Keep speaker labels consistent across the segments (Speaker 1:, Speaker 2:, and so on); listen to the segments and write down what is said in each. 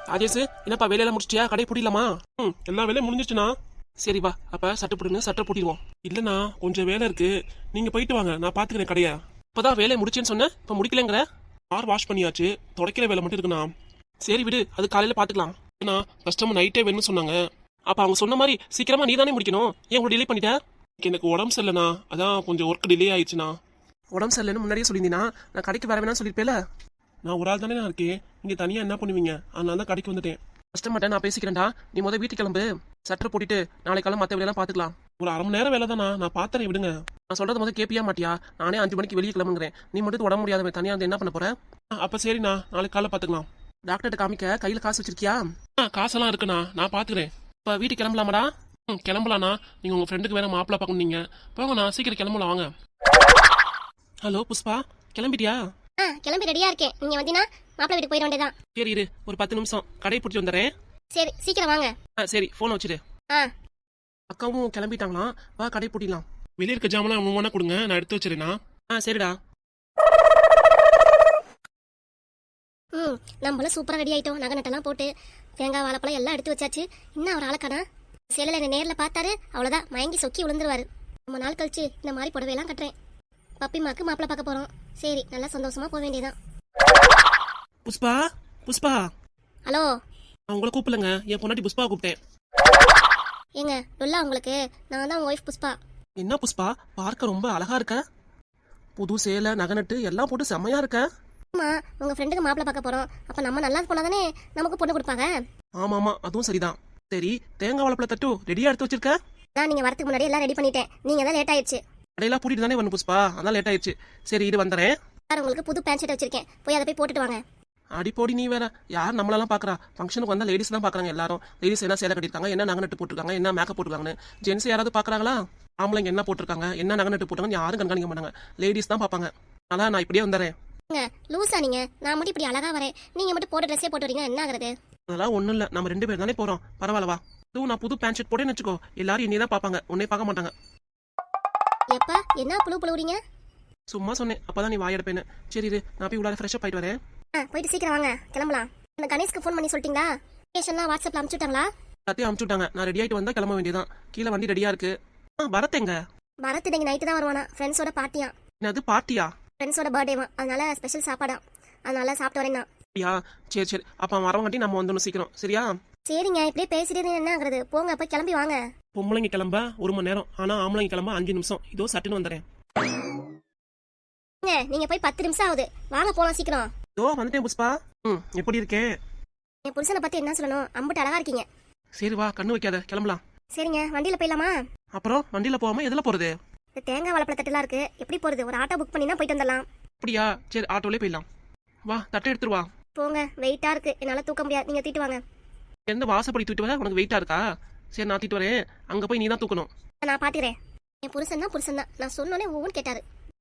Speaker 1: ராஜேஷ், என்னப்பா வேலையெல்லாம் முடிச்சிட்டியா? கடை பூட்டிடலாமா? எல்லா வேலையும் முடிஞ்சிச்சுண்ணா. சரி வா, அப்ப சட்டை போட்டுன்னு சட்டை பூட்டிடுவோம். இல்லைண்ணா, கொஞ்சம் வேலை இருக்கு, நீங்க போயிட்டு வாங்க, நான் பாத்துக்கிறேன் கடையா. இப்பதான் வேலையை முடிச்சேன்னு சொன்னேன், இப்ப முடிக்கலங்கிற. கார் வாஷ் பண்ணியாச்சு, துடைக்கிற வேலை மட்டும் இருக்குண்ணா. சரி விடு, அது காலையில பாத்துக்கலாம். ஏன்னா கஸ்டமர் நைட்டே வேணும்னு சொன்னாங்க. அப்ப அவங்க சொன்ன மாதிரி சீக்கிரமா நீ தானே முடிக்கணும், ஏன் உங்களை டிலே பண்ணிட்ட? எனக்கு உடம்பு சரியில்லைண்ணா, அதான் கொஞ்சம் ஒர்க் டிலே ஆயிடுச்சுண்ணா. உடம்பு சரியில்லைன்னு முன்னாடியே சொல்லியிருந்தீங்கன்னா நான் கடைக்கு வர வேணாம்னு சொல்லியிருப்பேல. நான் ஒரு ஆள் தானே நான் இருக்கேன், நீங்க தனியா என்ன பண்ணுவீங்க? அதனால தான் கடைக்கு வந்துட்டேன். கஷ்டமாட்டேன், நான் பேசிக்கிறேன்டா. நீ முதல் வீட்டுக்கு கிளம்பு, சட்டை போட்டுட்டு நாளைக்கு காலம் மற்ற வேலையெல்லாம் பாத்துக்கலாம். ஒரு அரை மணி நேரம் வேலை தானா, நான் பாத்துறேன், விடுங்க. நான் சொல்றது முதல் கேப்பியா மாட்டியா? நானே 5 மணிக்கு வெளியே கிளம்புங்கிறேன், நீ மட்டும் உடம்பு முடியாதவன் தனியா வந்து என்ன பண்ண போற? அப்ப சரிண்ணா, நாளைக்கு காலைல பாத்துக்கலாம். டாக்டர்கிட்ட காமிக்க கையில காசு வச்சிருக்கியா? காசெல்லாம் இருக்குண்ணா, நான் பாத்துக்கிறேன். இப்ப வீட்டுக்கு கிளம்பலாமாடா? கிளம்பலாண்ணா. நீங்க உங்க ஃப்ரெண்டுக்கு வேற மாப்பிள்ள பார்க்கணுங்க. போங்கண்ணா, சீக்கிரம் கிளம்பலாம் வாங்க. ஹலோ புஷ்பா, கிளம்பிட்டியா?
Speaker 2: கிளம்பி ரெடியா இருக்கேன். நீங்க வந்தீங்கன்னா மாப்பிள்ளை வீட்டுக்கு போயிட வேண்டியதான்.
Speaker 1: சரி இரு, ஒரு 10 நிமிஷம் கடையை பிடிச்சி வந்துடுறேன்.
Speaker 2: சரி சீக்கிரம் வாங்க.
Speaker 1: சரி, போன் வச்சிரு. அக்காவும் கிளம்பிட்டாங்களாம், வா கடை பூட்டிடலாம். வெளியே இருக்க ஜாமெல்லாம் ஒவ்வொன்றா கொடுங்க, நான் எடுத்து வச்சிருண்ணா. சரிடா.
Speaker 2: நம்மளும் சூப்பரா ரெடி ஆயிட்டோம். நகை நட்டெல்லாம் போட்டு தேங்காய் வாழைப்பழம் எல்லாம் எடுத்து வச்சாச்சு. இன்னும் அவர் ஆளக்கானா சேலையில என்ன நேரில் பார்த்தாரு, அவ்வளோதான் மயங்கி சொக்கி விழுந்துருவாரு. ரொம்ப நாள் கழிச்சு இந்த மாதிரி புடவையெல்லாம் கட்டுறேன். பப்பிமாக்கு மாப்பிள்ளை பார்க்க போறோம். சரி, நல்லா சந்தோஷமா போக வேண்டியதான்.
Speaker 1: புஷ்பா, புஷ்பா.
Speaker 2: ஹலோ.
Speaker 1: நான் உங்களை கூப்பிடலங்க, என் பொண்டாட்டி புஷ்பா கூப்பிட்டேன்.
Speaker 2: ஏங்க டொல்லா உங்களுக்கு? நான் தான் உங்க ஒய்ஃப் புஷ்பா.
Speaker 1: என்ன புஷ்பா, பார்க்க ரொம்ப அழகா இருக்க. புது சேலை நகை நட்டு எல்லாம் போட்டு செம்மையா இருக்க.
Speaker 2: ஆமா, உங்க ஃப்ரெண்டுக்கு மாப்பிள்ளை பார்க்க போறோம். அப்ப நம்ம நல்லா போனாதானே நமக்கு பொண்ணு கொடுப்பாங்க.
Speaker 1: ஆமாமா, அதுவும் சரிதான். சரி, தேங்காய் வாழைப்பழ தட்டு ரெடியா எடுத்து வச்சிருக்க?
Speaker 2: நான் நீங்க வரதுக்கு முன்னாடி எல்லாம் ரெடி பண்ணிட்டேன். நீங்க தான் லேட் ஆயிடுச்சு.
Speaker 1: கடையெல்லாம் பூட்டிட்டு தானே வரணும் புஷ்பா, அதான் லேட் ஆயிடுச்சு. சரி இது வந்துறேன்.
Speaker 2: சார், உங்களுக்கு புது பேண்ட் ஷர்ட் வச்சிருக்கேன், போய் அதை போய் போட்டுட்டு வாங்க.
Speaker 1: அடிப்போடி நீ வேற, யார் நம்மளெல்லாம் பாக்குறா? ஃபங்க்ஷனுக்கு வந்தா லேடிஸ் தான் பாக்குறாங்க எல்லாரும். லேடிஸ் என்ன சேலை கட்டிருக்காங்க, என்ன நகை நட்டு போட்டுருக்காங்க, என்ன மேக்கப் போட்டுருக்காங்கன்னு. ஜென்ஸ் யாராவது பாக்குறாங்களா? ஆம்பளைங்க என்ன போட்டிருக்காங்க, என்ன நகை நட்டு போட்டாங்கன்னு யாரும் கண்காணிக்க மாட்டாங்க, லேடிஸ் தான் பாப்பாங்க. அதான் நான் இப்படியே வந்துறேன்.
Speaker 2: லூசா நீங்க? நான் மட்டும் இப்படி அழகா வரேன், நீங்க மட்டும் போட்ட ட்ரெஸ்ஸே போட்டு வரீங்க, என்ன ஆகுறது?
Speaker 1: அதெல்லாம் ஒண்ணும் இல்ல, நம்ம 2 பேர் தானே போறோம், பரவாயில்லவா? இதுவும் நான் புது பேண்ட் ஷர்ட் போட்டேன்னு வச்சுக்கோ, எல்லாரும் என்னையே தான் பாப்பாங்க, உன்னை பார்க்க மாட்டாங்க.
Speaker 2: எப்பா என்ன புழு புழுவுறீங்க?
Speaker 1: சும்மா சொன்னேன், அப்பதான் நீ வாயெடுப்பேன்னு. சரி இரு, நான் போய் உள்ளார ஃப்ரெஷ்ஷா போயிட்டு வரேன்.
Speaker 2: போயிட்டு சீக்கிரம் வாங்க, கிளம்பலாம். அந்த கணேஷ்க்கு ஃபோன் பண்ணி சொல்லிட்டீங்களா? லொகேஷன்லாம் வாட்ஸ்அப்ல அனுப்பிச்சுட்டாங்களா?
Speaker 1: எல்லாத்தையும் அனுப்பிச்சுட்டாங்க, நான் ரெடி ஆயிட்டு வந்தா கிளம்ப வேண்டியதான். கீழே வண்டி ரெடியா இருக்கு. பரத் எங்க?
Speaker 2: பரத் இன்னைக்கு நைட்டு தான் வருவானா, ஃப்ரெண்ட்ஸோட பார்ட்டியா.
Speaker 1: என்னது பார்ட்டியா?
Speaker 2: ஃப்ரெண்ட்ஸோட பர்த்டேவா, அதனால ஸ்பெஷல் சாப்பாடா, அதனால சாப்பிட்டு வரேன் நான்.
Speaker 1: சரி சரி, அப்ப வரவங்காட்டி நம்ம வந்துடணும் சீக்கிரம், சரியா?
Speaker 2: சரிங்க, இப்படியே பேசிட்டே என்ன ஆகுறது, போங்க போய் கிளம்பி வாங்க.
Speaker 1: பொம்பளைங்க கிளம்ப 1 மணி நேரம், ஆனா ஆம்பளைங்க கிளம்ப 5 நிமிஷம். இதோ சட்டுன்னு வந்துறேன்.
Speaker 2: நீங்க போய் 10 நிமிஷம் ஆகுது, வாங்க போலாம் சீக்கிரம்.
Speaker 1: இதோ வந்துட்டேன் புஷ்பா. எப்படி இருக்கேன்?
Speaker 2: என் புருஷனை பத்தி என்ன சொல்லணும், அம்புட்டு அழகா இருக்கீங்க.
Speaker 1: சரி வா, கண்ணு வைக்காத, கிளம்பலாம்.
Speaker 2: சரிங்க, வண்டியில போயிடலாமா?
Speaker 1: அப்புறம் வண்டியில போகாம எதுல போறது?
Speaker 2: இந்த தேங்காய் வாழைப்பழ தட்டுலாம் இருக்கு, எப்படி போறது? ஒரு ஆட்டோ புக் பண்ணினா போயிட்டு வந்துடலாம்.
Speaker 1: அப்படியா? சரி, ஆட்டோலே போயிடலாம். வா, தட்டை எடுத்துட்டு வா.
Speaker 2: போங்க, வெயிட்டா இருக்கு, என்னால தூக்க முடியாது, நீங்க தூக்கிட்டு வாங்க.
Speaker 1: எந்த வாசப்படி தூக்கிட்டு வர? உனக்கு வெயிட்டா இருக்கா? சரி, நான் தூக்கிட்டு வரேன், அங்க போய் நீ தான் தூக்கணும்.
Speaker 2: நான் பாத்துக்கிறேன். என் புருஷன் தான், நான் சொன்னோனே ஒவ்வொன்னு கேட்டாரு.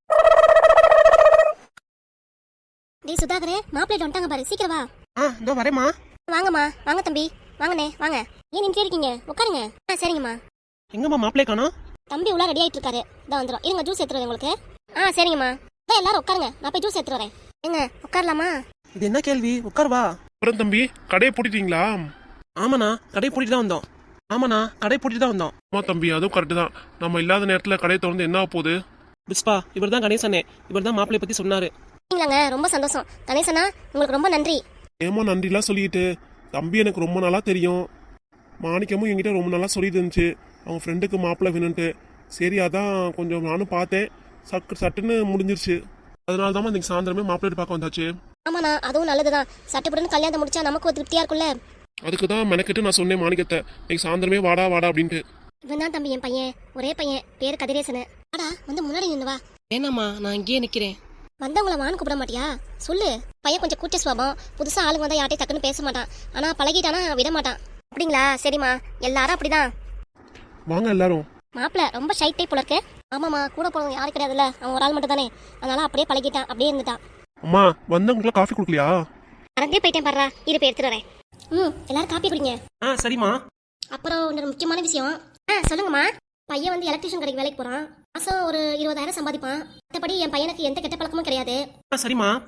Speaker 2: டேய் சுதாகரே, மாப்பிள்ளை வந்துட்டாங்க பாரு, சீக்கிரம் வா.
Speaker 1: இதோ வரேம்மா.
Speaker 2: வாங்கம்மா, வாங்க தம்பி, வாங்கண்ணே வாங்க. ஏன் நின்று இருக்கீங்க, உட்காருங்க. சரிங்கம்மா.
Speaker 1: எங்கம்மா மாப்பிள்ளை காணோம்?
Speaker 2: தம்பி உள்ள ரெடி ஆயிட்டு இருக்காரு, இதான் வந்துடும். இருங்க, ஜூஸ் எடுத்துட்டு வரேன் உங்களுக்கு. சரிங்கம்மா. எல்லாரும் உட்காருங்க, நான் போய் ஜூஸ் எடுத்துட்டு வரேன். ஏங்க உட்காரலாமா?
Speaker 1: இது என்ன கேள்வி? உட்கார் வா. அப்புறம் தம்பி, கடையை பூட்டிட்டீங்களா? ஆமாண்ணா, கடையை பூட்டிட்டு தான் வந்தோம். ஆமாண்ணா, கடையை பூட்டிட்டு தான் வந்தோம். ஆமா தம்பி, அதுவும் கரெக்ட் தான். நம்ம இல்லாத நேரத்துல கடையை திறந்து என்ன போகுது? புஷ்பா, இவர் தான் கணேசனே, இவர் தான் மாப்பிள்ளைய பத்தி சொன்னாரு.
Speaker 2: இல்லங்க, ரொம்ப சந்தோஷம் கணேசனா, உங்களுக்கு ரொம்ப நன்றி.
Speaker 3: ஏமா நன்றிலாம் சொல்லிட்டு, தம்பி எனக்கு ரொம்ப நாளா தெரியும். மாணிக்கமும் என்கிட்ட ரொம்ப நாளா சொல்லிட்டு இருந்துச்சு, அவங்க ஃப்ரெண்டுக்கு மாப்பிள்ளை வேணும்ட்டு. சரி, அதான் கொஞ்சம் நானும் பார்த்தேன், சட்டுன்னு முடிஞ்சிருச்சு. அதனால தான் இன்னைக்கு சாயந்தரமே மாப்பிள்ளை பார்க்க வந்தாச்சு.
Speaker 2: ஆமாண்ணா, அதுவும் நல்லதுதான். சட்டுப்பட்டுன்னு கல்யாணம் முடிச்சா நமக்கு ஒரு திருப்தியா இருக்கும்ல.
Speaker 3: அதுக்கு தான் மெனக்கிட்டு நான் சொன்னேன் மாணிக்கத்தை, இன்னைக்கு சாயந்தரமே வாடா வாடா அப்படின்ட்டு.
Speaker 2: இவன் தான் தம்பி என் பையன், ஒரே பையன், பேரு கதிரேசனு. வாடா, வந்து முன்னாடி நின்று வா.
Speaker 1: ஏனாம்மா, நான் இங்கேயே நிக்கிறேன்.
Speaker 2: வந்தவங்கள வான்னு கூப்பிட மாட்டியா? சொல்லு. பையன் கொஞ்சம் கூச்ச சுவாபம், புதுசா ஆளுங்க வந்தா யார்ட்டையும் டக்குன்னு பேச மாட்டான், ஆனா பழகிட்டானா விட மாட்டான். அப்படிங்களா? சரிம்மா, எல்லாரும் அப்படிதான்.
Speaker 3: வாங்க எல்லாரும்.
Speaker 2: மாப்பிள்ள ரொம்ப ஷை டைப் போல இருக்கு. ஆமாம்மா, கூட போனவங்க யாரும் கிடையாதுல்ல, அவன் ஒரு ஆள் மட்டும் தானே, அதனால அப்படியே பழகிட்டான், அப்படியே இருந்துட்டான்.
Speaker 3: அம்மா, வந்தவங்களுக்கு காஃபி குடுக்கலையா?
Speaker 2: மறந்தே போயிட்டேன் பாடுறா, இரு போய் எடுத்துட்டு வரேன். எல்லாரும் காப்பி குடிங்க.
Speaker 1: சரிம்மா.
Speaker 2: அப்புறம் ஒரு முக்கியமான விஷயம். சொல்லுங்கம்மா. பையன் வந்து எலக்ட்ரிஷியன் கடைக்கு வேலைக்கு போறான். மாசம் ஒரு 20,000 சம்பாதிப்பான். மற்றபடி என் பையனுக்கு எந்த கெட்ட பழக்கமும் கிடையாது.
Speaker 1: சரிம்மா.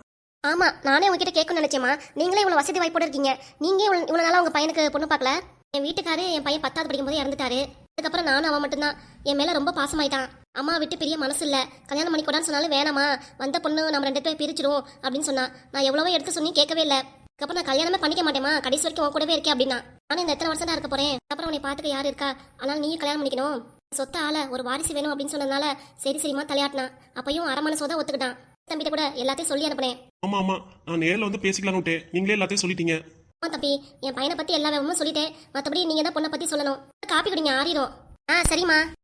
Speaker 2: ஆமா, நானே உங்ககிட்ட கேட்கணும்னு நினைச்சேம்மா. நீங்களே இவ்வளவு வசதி வாய்ப்போட இருக்கீங்க. நீங்க இவ்வளவு நாளா உங்க பையனுக்கு பொண்ணு பார்க்கல. என் வீட்டுக்காரு என் பையன் 10வது படிக்கும் போது இறந்துட்டாரு. அதுக்கப்புறம் நானும் அவன் மட்டும்தான். என் மேல ரொம்ப பாசமாயிட்டான். அம்மா விட்டு பிரிய மனசு இல்ல. கல்யாணம் பண்ணி கூடான்னு சொன்னாலும் வேணாமா, வந்த பொண்ணு நம்ம 2 பேரும் பிரிச்சிடும் அப்படின்னு சொன்னா. நான் எவ்வளவோ எடுத்து சொன்னி கேட்கவே இல்லை. அதுக்கப்புறம் நான் கல்யாணமே பண்ணிக்க மாட்டேமா, கடைசி வரைக்கும் உன் கூடவே இருக்கேன் அப்படின்னா. நானும் இந்த எத்தனை வருஷம் தான் இருக்க போறேன். அப்புறம் உன்னை பார்த்துக்க யாரு இருக்கா, அதனால நீயும் கல்யாணம் பண்ணிக்கணும். சொத்த ஆள ஒரு வாரிசு வேணும் அப்படின்னு சொன்னதுனால சரி சரிமா தலையாட்டினா. அப்பயும் அரமனை சோதா ஒத்துக்கிட்டான். தம்பிட்ட கூட எல்லாத்தையும் சொல்லி அனுப்புனேன்.
Speaker 3: ஆமா ஆமா, நான் நேர்ல வந்து பேசிக்கலாம்னு விட்டேன். நீங்களே எல்லாத்தையும் சொல்லிட்டீங்க.
Speaker 2: ஆமா தம்பி, என் பையனை பத்தி எல்லா விவரமும் சொல்லிட்டேன். மற்றபடி நீங்க தான் பொண்ணை பத்தி சொல்லணும். காப்பி குடிங்க, ஆறிடும். சரிம்மா.